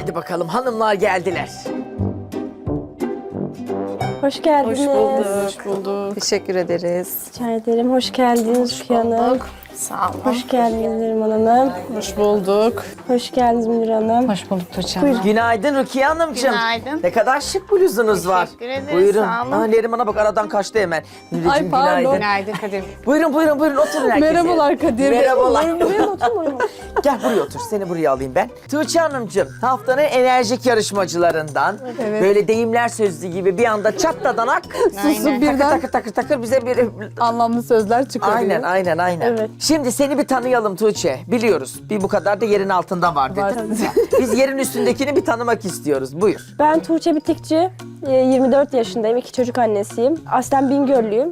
Hadi bakalım, hanımlar geldiler. Hoş geldiniz. Hoş bulduk. Teşekkür ederiz. Rica ederim. Hoş geldiniz Rukiye Hanım. Sağ olun. Hoş geldiniz Neriman Hanım. Hoş bulduk. Hoş geldiniz Münir Hanım. Hoş bulduk Tuğçe Hanım. Günaydın Rukiye Hanımcığım. Günaydın. Ne kadar şık bluzunuz var. Teşekkür ederiz, Buyurun. sağ olun. Aa, Neriman'a bak, aradan kaçtı hemen. Nuri'cim, Ay, pardon. günaydın. Günaydın Kadir. Buyurun oturun herkese. Merhabalar Kadir Bey. Merhabalar. Buraya oturmayın. Gel buraya otur, seni buraya alayım ben. Tuğçe Hanımcığım, haftanın enerjik yarışmacılarından. Evet. Böyle deyimler sözlü gibi bir anda çatladanak. Susup Takır birden takır bize bir... anlamlı sözler çıkarıyor. Aynen. Evet. Şimdi seni bir tanıyalım Tuğçe. Biliyoruz, bir bu kadar da yerin altında var Var. dedin. Biz yerin üstündekini bir tanımak istiyoruz. Buyur. Ben Tuğçe Bitikçi. 24 yaşındayım. 2 çocuk annesiyim. Aslen Bingöllüyüm.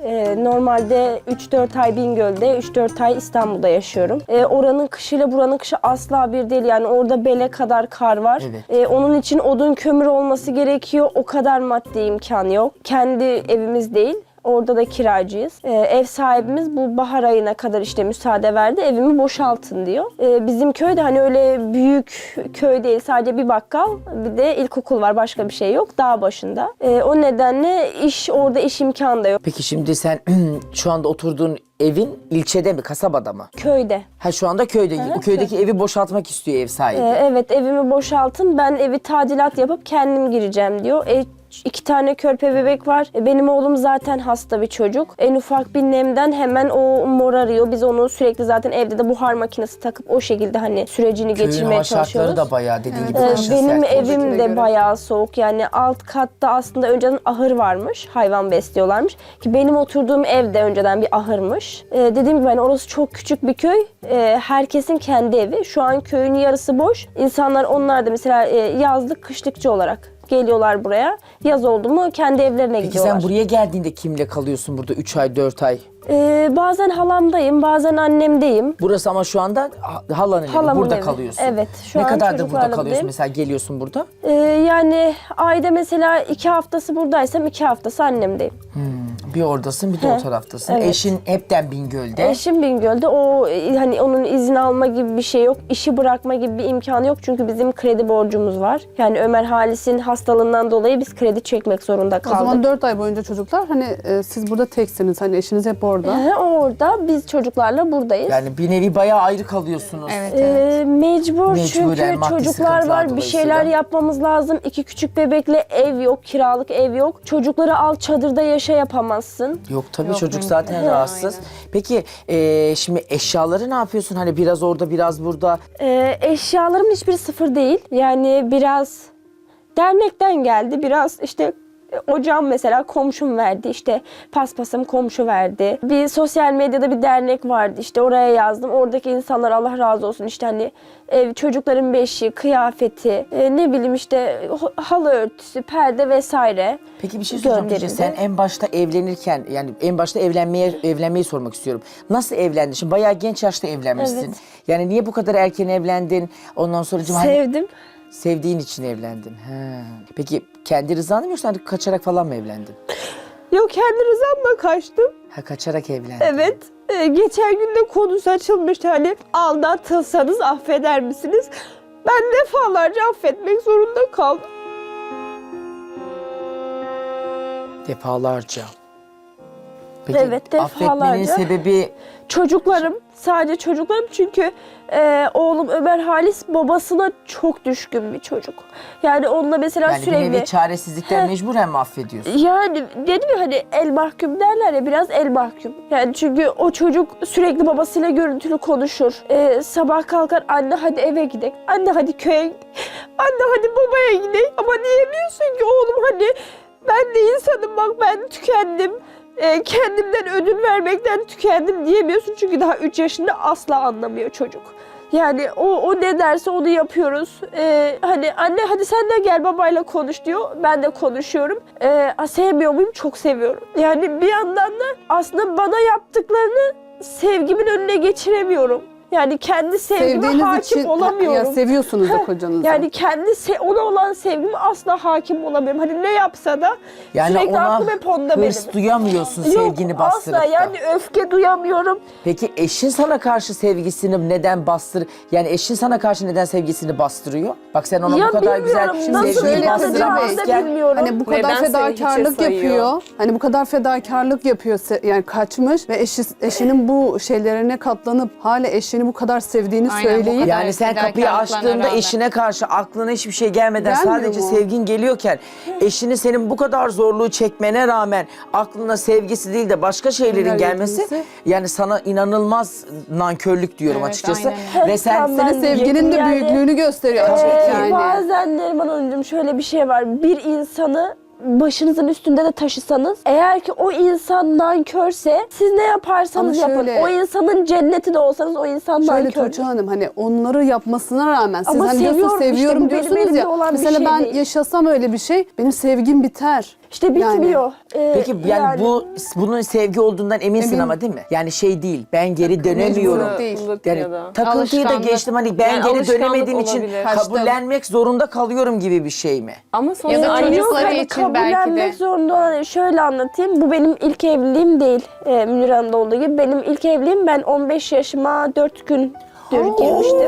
Normalde 3-4 ay Bingöl'de, 3-4 ay İstanbul'da yaşıyorum. Oranın kışıyla buranın kışı asla bir değil. Yani orada bele kadar kar var. Evet. Onun için odun kömür olması gerekiyor. O kadar maddi imkan yok. Kendi evimiz değil. Orada da kiracıyız. Ev sahibimiz bu bahar ayına kadar işte müsaade verdi. Evimi boşaltın diyor. Bizim köyde hani öyle büyük köy değil. Sadece bir bakkal, bir de ilkokul var. Başka bir şey yok. Dağ başında. O nedenle orada iş imkanı da yok. Peki şimdi sen şu anda oturduğun evin ilçede mi, kasabada mı? Köyde. Ha, şu anda köyde. O köydeki evi boşaltmak istiyor ev sahibi. Evet, evimi boşaltın. Ben evi tadilat yapıp kendim gireceğim diyor. 2 tane körpe bebek var. Benim oğlum zaten hasta bir çocuk. En ufak bir nemden hemen o morarıyor. Biz onu sürekli zaten evde de buhar makinesi takıp o şekilde hani sürecini Köyün geçirmeye hava çalışıyoruz. şartları da bayağı dediğin gibi kışın Benim sert. evim de göre. bayağı soğuk. Yani alt katta aslında önceden ahır varmış. Hayvan besliyorlarmış. Ki benim oturduğum ev de önceden bir ahırmış. Dediğim gibi hani orası çok küçük bir köy. Herkesin kendi evi. Şu an köyün yarısı boş. İnsanlar onlar da mesela yazlık kışlıkçı olarak geliyorlar buraya. Yaz oldu mu kendi evlerine Peki gidiyorlar. sen buraya geldiğinde kimle kalıyorsun burada 3 ay 4 ay? Bazen halamdayım, bazen annemdeyim. Burası ama şu anda halanın evi. Halamın Burada evi. kalıyorsun. Evet, şu ne an kadardır burada çocuklarla kalıyorsun buradayım. mesela, geliyorsun burada? Yani ayda mesela 2 haftası buradaysam 2 haftası annemdeyim. Bir oradasın, bir de o taraftasın. evet. Eşin hepten Bingöl'de. Eşim Bingöl'de. O hani onun izin alma gibi bir şey yok. İşi bırakma gibi bir imkanı yok. Çünkü bizim kredi borcumuz var. Yani Ömer Halis'in hastalığından dolayı biz kredi çekmek zorunda O kaldık. zaman 4 ay boyunca çocuklar hani siz burada teksiniz. Hani eşiniz hep orada. Orada biz çocuklarla buradayız. Yani bir nevi bayağı ayrı kalıyorsunuz. Evet. Mecbur Mecburen, çünkü maddi çocuklar sıkıntılar var, bir şeyler dolayısıyla. yapmamız lazım. 2 küçük bebekle ev yok, kiralık ev yok. Çocukları al çadırda yaşa yapamazsın. Yok tabii, Yok, çocuk mümkün zaten değil. rahatsız. Peki şimdi eşyaları ne yapıyorsun? Hani biraz orada biraz burada. Eşyalarımın hiçbiri sıfır değil. Yani biraz dernekten geldi, biraz işte ocağım mesela komşum verdi, işte paspasım komşu verdi. Bir sosyal medyada bir dernek vardı, işte oraya yazdım. Oradaki insanlar Allah razı olsun işte hani çocukların beşiği, kıyafeti, ne bileyim işte halı örtüsü, perde vesaire. Peki bir şey soracağım Tuğçe. gönderildi. Sen en başta evlenirken, yani en başta evlenmeyi sormak istiyorum. Nasıl evlendin? Şimdi bayağı genç yaşta evlenmişsin. Evet. Yani niye bu kadar erken evlendin? Ondan sonra Sevdim. sevdiğin için evlendin. He. Peki kendi rızanı mı, yoksa hani kaçarak falan mı evlendin? Yok, kendi rızamla kaçtım. Ha, kaçarak evlendin. Evet. Geçen gün de konusu açılmıştı, hani aldatılsanız affeder misiniz? Ben defalarca affetmek zorunda kaldım. Defalarca. Peki Evet, affetmenin defalarca. sebebi Çocuklarım, sadece çocuklarım, çünkü oğlum Ömer Halis babasına çok düşkün bir çocuk. Yani onunla mesela yani bir sürekli... nevi çaresizlikten mecburen mi affediyorsun? Yani dedim ya hani el mahkum derler ya, biraz el mahkum. Yani çünkü o çocuk sürekli babasıyla görüntülü konuşur. Sabah kalkar, anne hadi eve gidelim. Anne hadi köye gidelim. Anne hadi babaya gidelim. Ama diyemiyorsun ki oğlum, hani ben de insanım, bak ben tükendim. Kendimden ödün vermekten tükendim diyemiyorsun. Çünkü daha 3 yaşında, asla anlamıyor çocuk. Yani o ne derse onu yapıyoruz. Hani anne hadi sen de gel babayla konuş diyor. Ben de konuşuyorum. Sevmiyor muyum? Çok seviyorum. Yani bir yandan da aslında bana yaptıklarını sevgimin önüne geçiremiyorum. Yani kendi sevgime Sevdiğiniz hakim için olamıyorum. ya seviyorsunuz da kocanızı. Yani ona olan sevgime asla hakim olamıyorum. Hani ne yapsa da Yani sürekli ona aklım hep onda benim. hırs duyamıyorsun sevgini bastırıp asla da. yani öfke duyamıyorum. Peki eşin sana karşı sevgisini neden yani eşin sana karşı neden sevgisini bastırıyor? Bak sen ona Ya bu kadar güzel bilmiyorum, nasıl sevgiyi şöyle bastıramazken bilmiyorum. Hani bu kadar Neden seni fedakarlık hiçe sayıyor? yapıyor. Hani bu kadar fedakarlık yapıyor. Yani kaçmış ve eşinin bu şeylerine katlanıp hala eşini bu kadar sevdiğini Aynen, bu söyleyip kadar. yani sen kapıyı fedakarlıklarına açtığında rağmen. eşine karşı aklına hiçbir şey gelmeden Gelmiyor sadece mu? sevgin geliyorken eşinin senin bu kadar zorluğu çekmene rağmen aklına sevgisi değil de başka şeylerin Neler gelmesi gelmesi? yani sana inanılmaz nankörlük diyorum Evet, açıkçası. aynen Ve sen Tam ben senin sevginin de yani- büyüklüğünü gösteriyor açık yani. Bazen Neriman Hanımcığım şöyle bir şey var. Bir insanı başınızın üstünde de taşısanız, eğer ki o insan nankörse siz ne yaparsanız Ama yapın. şöyle- O insanın cenneti de olsanız o insan Şöyle nankör. Tuğçe Hanım hani onları yapmasına rağmen siz Ama hani diyorsunuz seviyorum işte, seviyorum bu benim diyorsunuz elimde ya. olan bir Mesela şey ben değil. yaşasam öyle bir şey benim sevgim biter. İşte bitmiyor. Peki yani bunun sevgi olduğundan eminsin Eminim. ama değil mi? Yani şey değil ben geri dönemiyorum. mecbur değil. Yani Ya da takıntıyı da alışkanlık. geçtim hani ben Yani geri alışkanlık dönemediğim için olabilir. kabullenmek zorunda kalıyorum gibi bir şey mi? Ama sonuçta Ya da annesi- çocukları hani için belki de. kabullenmek zorunda olan, şöyle anlatayım. Bu benim ilk evliliğim değil. Münir Hanım'da olduğu gibi. Benim ilk evliliğim, ben 15 yaşıma 4 gündür girmiştim.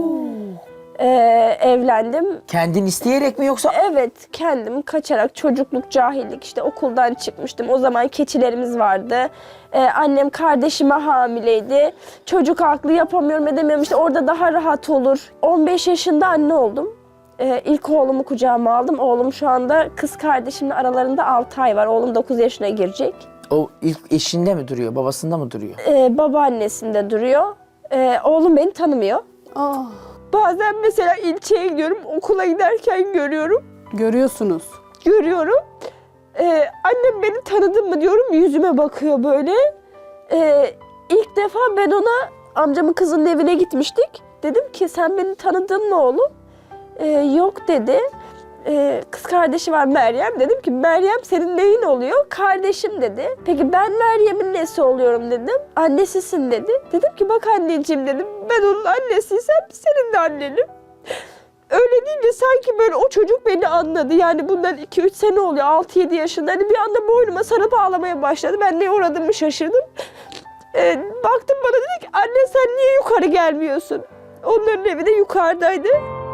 Evlendim. Kendin isteyerek mi yoksa Evet, kendim kaçarak, çocukluk, cahillik, işte okuldan çıkmıştım. O zaman keçilerimiz vardı. Annem kardeşime hamileydi. Çocuk haklı, yapamıyorum, edemiyorum. İşte orada daha rahat olur. 15 yaşında anne oldum. İlk oğlumu kucağıma aldım. Oğlum şu anda kız kardeşimle aralarında 6 ay var. Oğlum 9 yaşına girecek. o ilk eşinde mi duruyor, babasında mı duruyor? Babaannesinde duruyor. Oğlum beni tanımıyor. Ah, Bazen mesela ilçeye gidiyorum, okula giderken görüyorum. görüyorsunuz. Görüyorum. Annem beni tanıdın mı diyorum, yüzüme bakıyor böyle. İlk defa ben ona, amcamın kızının evine gitmiştik. Dedim ki sen beni tanıdın mı oğlum? Yok dedi. Kız kardeşi var Meryem. Dedim ki Meryem senin neyin oluyor? Kardeşim dedi. Peki ben Meryem'in nesi oluyorum dedim. Annesisin dedi. Dedim ki bak anneciğim dedim. Ben onun annesiysem senin de annenim. Öyle deyince sanki böyle o çocuk beni anladı. Yani bundan 2-3 sene oluyor. 6-7 yaşında. Hani bir anda boynuma sarıp ağlamaya başladı. Ben neye uğradığımı şaşırdım. Baktım bana dedi ki anne sen niye yukarı gelmiyorsun? Onların evi de yukarıdaydı.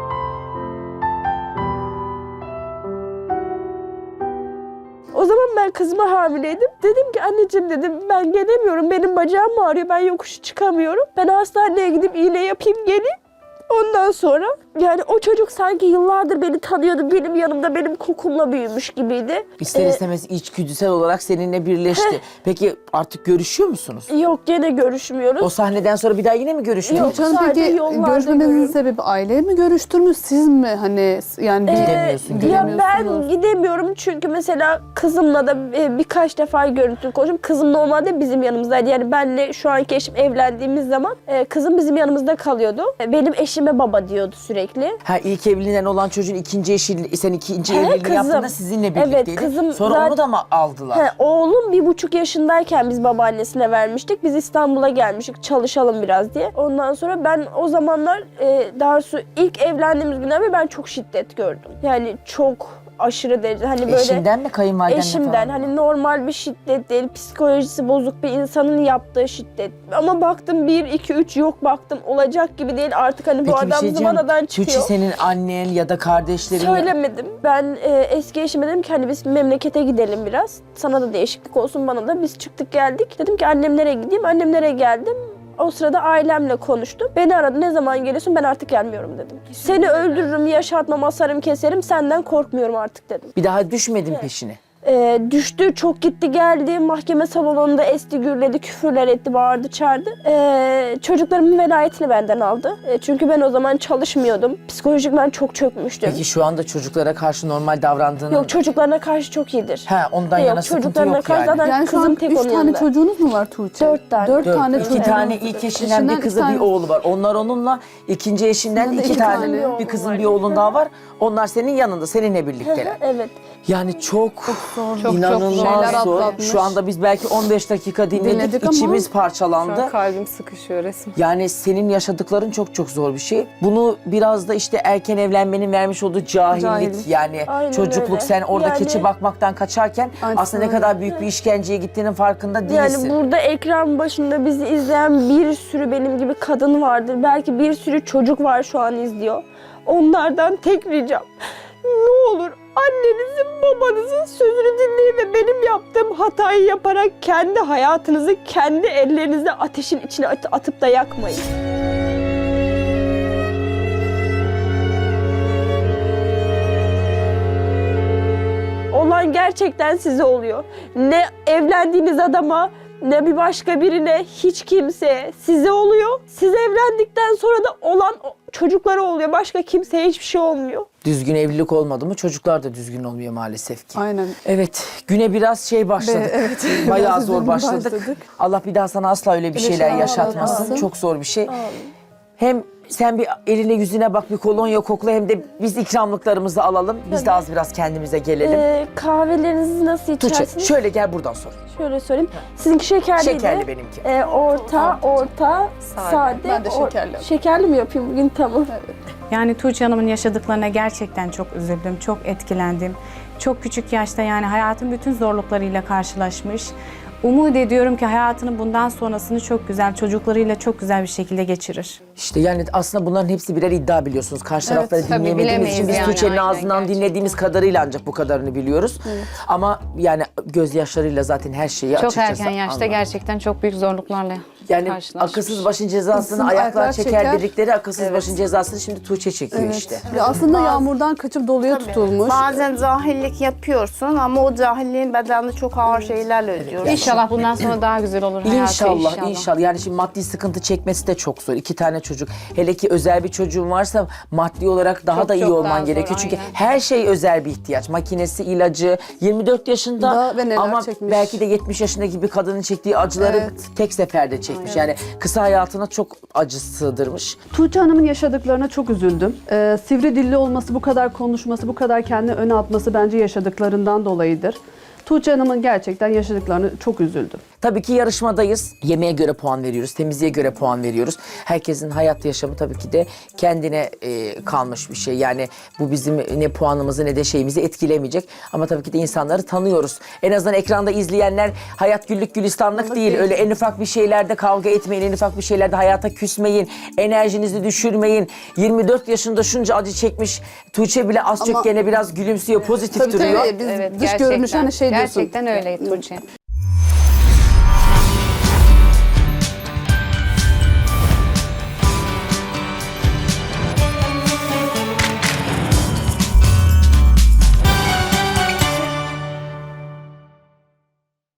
O zaman ben kızıma hamileydim. Dedim ki anneciğim dedim ben gelemiyorum. Benim bacağım ağrıyor. Ben yokuşu çıkamıyorum. Ben hastaneye gidip iğne yapayım geleyim. Ondan sonra yani o çocuk sanki yıllardır beni tanıyordu. Benim yanımda benim kokumla büyümüş gibiydi. İster istemez içgüdüsel olarak seninle birleşti. Peki artık görüşüyor musunuz? Yok gene görüşmüyoruz. O sahneden sonra bir daha yine mi görüştünüz? Tuğçe Hanım sadece peki yollarda görüşmemenizin görüyorum. sebebi aile mi görüştürmüş siz mi hani yani Gidemiyorsun, Ya ben gidemiyorsunuz. gidemiyorum çünkü mesela kızımla da birkaç defa görüntülü konuştum. Kızım normalde bizim yanımızdaydı. Yani benle şu anki eşim evlendiğimiz zaman kızım bizim yanımızda kalıyordu. Benim eşime baba diyordu sürekli. Ha ilk evliliğinden olan çocuğun ikinci eşi, sen ikinci He, evliliği kızım. yaptığında sizinle Evet, birlikteydin. kızım Sonra zaten- onu da mı aldılar? Oğlum 1,5 yaşındayken biz babaannesine vermiştik. Biz İstanbul'a gelmiştik çalışalım biraz diye. Ondan sonra ben o zamanlar daha doğrusu ilk evlendiğimiz günden beri ben çok şiddet gördüm. Yani çok aşırı derece hani böyle Eşinden mi kayınvaliden mi eşimden falan? hani normal bir şiddet değil, psikolojisi bozuk bir insanın yaptığı şiddet. Ama baktım 1, 2, 3 yok baktım olacak gibi değil artık hani bu Peki bir adam şey diyeceğim. zıvanadan Tuğçe çıkıyor. senin annen ya da kardeşlerin... Söylemedim. Ben eski eşime dedim ki hani biz memlekete gidelim biraz. Sana da değişiklik olsun bana da. Biz çıktık geldik. Dedim ki annemlere gideyim. Annemlere geldim. O sırada ailemle konuştum. Beni aradı. Ne zaman geliyorsun? Ben artık gelmiyorum dedim. Seni öldürürüm, yaşatmam, asarım, keserim. Senden korkmuyorum artık dedim. Bir daha düşmedin peşine. Düştü, çok gitti geldi. Mahkeme salonunda esti, gürledi, küfürler etti, bağırdı, çağırdı. Çocuklarımın velayetini benden aldı. Çünkü ben o zaman çalışmıyordum. Psikolojik ben çok çökmüştüm. Peki şu anda çocuklara karşı normal davrandığını... Yok çocuklarına karşı çok iyidir. Ha ondan Yok, yana sıkıntı çocuklarına yok karşı yani. zaten Yani şu kızım an tek 3 onun tane yanında. çocuğunuz mu var Tuğçe? 4 tane. 4 Dört. tane İki çocuğunuz. tane ilk eşinden bir kızı bir oğlu var. Onlar onunla, ikinci eşinden Yanında iki iki tane, tane. bir kızın bir oğlun daha var. Onlar senin yanında, seninle birlikteler. Evet. Yani çok Çok İnanılmaz şeyler zor. atlatmış. Şu anda biz belki 15 dakika dinledik, Dinledik ama içimiz Şu parçalandı. an kalbim sıkışıyor resmen. Yani senin yaşadıkların çok çok zor bir şey. Bunu biraz da işte erken evlenmenin vermiş olduğu cahillik. Yani Aynen çocukluk öyle. sen orada Yani- keçi bakmaktan kaçarken Aynen aslında ne öyle. kadar büyük bir işkenceye gittiğinin farkında değilsin. Yani burada ekran başında bizi izleyen bir sürü benim gibi kadın vardır. Belki bir sürü çocuk var şu an izliyor. Onlardan tek ricam. Ne olur annenizin, babanızın sözünü dinleyin ve benim yaptığım hatayı yaparak kendi hayatınızı kendi ellerinizle ateşin içine atıp da yakmayın. Olan gerçekten size oluyor. Ne evlendiğiniz adama ne bir başka birine, hiç kimseye size oluyor. Siz evlendikten sonra da olan çocuklara oluyor. Başka kimseye hiçbir şey olmuyor. Düzgün evlilik olmadı mı çocuklar da düzgün olmuyor maalesef ki. Aynen. Evet, güne biraz başladık. Evet, Bayağı biraz zor üzüldüm, başladık. başladık. Allah bir daha sana asla öyle bir şeyler şeyler yaşatmasın. yaşatmasın. Çok zor bir şey. Hem sen bir eline yüzüne bak, bir kolonya kokla, hem de biz ikramlıklarımızı alalım. Biz de az biraz kendimize gelelim. Kahvelerinizi nasıl Tuğçe, içersiniz? şöyle gel buradan sor. Şöyle söyleyeyim. Sizinki şekerliydi. Şekerli benimki. Orta, sade. Ben de şekerli. Şekerli mi yapayım bugün? Tamam. Yani Tuğçe Hanım'ın yaşadıklarına gerçekten çok üzüldüm, çok etkilendim. Çok küçük yaşta yani hayatın bütün zorluklarıyla karşılaşmış. Umut ediyorum ki hayatının bundan sonrasını çok güzel, çocuklarıyla çok güzel bir şekilde geçirir. İşte yani aslında bunların hepsi birer iddia biliyorsunuz. Karşı tarafları tabii dinleyemediğimiz için bilemeyiz biz yani, Tuğçe'nin aynen, ağzından gerçekten. dinlediğimiz kadarıyla ancak bu kadarını biliyoruz. Ama yani gözyaşlarıyla zaten her şeyi Çok açıkçası erken yaşta anlar. gerçekten çok büyük zorluklarla Yani karşılaşmış. akılsız başın cezasını İnsan ayaklar ayaklar çeker çeker. dedikleri akılsız başın cezasını şimdi Tuğçe çekiyor Evet. işte. Ya aslında yağmurdan kaçıp doluya tutulmuş. Bazen cahillik yapıyorsun ama o cahilliğin bedelini çok ağır şeylerle ödüyoruz. İnşallah bundan sonra daha güzel olur hayatı İnşallah. Yani şimdi maddi sıkıntı çekmesi de çok zor. 2 tane çocuk. Hele ki özel bir çocuğun varsa maddi olarak daha Çok, da iyi çok olman daha zor, gerekiyor. Çünkü aynen. her şey özel bir ihtiyaç. Makinesi, ilacı. 24 yaşında Daha ve neler ama çekmiş. belki de 70 yaşındaki bir kadının çektiği acıları Evet. tek seferde çekmiş. Yani kısa hayatına çok acı sığdırmış. Tuğçe Hanım'ın yaşadıklarına çok üzüldüm. Sivri dilli olması, bu kadar konuşması, bu kadar kendini öne atması bence yaşadıklarından dolayıdır. Tuğçe Hanım'ın gerçekten yaşadıklarını çok üzüldüm. Tabii ki yarışmadayız. Yemeğe göre puan veriyoruz, temizliğe göre puan veriyoruz. Herkesin hayat yaşamı tabii ki de kendine kalmış bir şey. Yani bu bizim ne puanımızı ne de şeyimizi etkilemeyecek. Ama tabii ki de insanları tanıyoruz. En azından ekranda izleyenler hayat güllük gülistanlık değil. Öyle en ufak bir şeylerde kavga etmeyin, en ufak bir şeylerde hayata küsmeyin, enerjinizi düşürmeyin. 24 yaşında şunca acı çekmiş Tuğçe bile az çok Ama- gene biraz gülümsüyor, pozitif Tabii duruyor. tabii biz Evet, dış gerçekten. görünüşü hani şey diyorsun. Gerçekten öyle Tuğçe.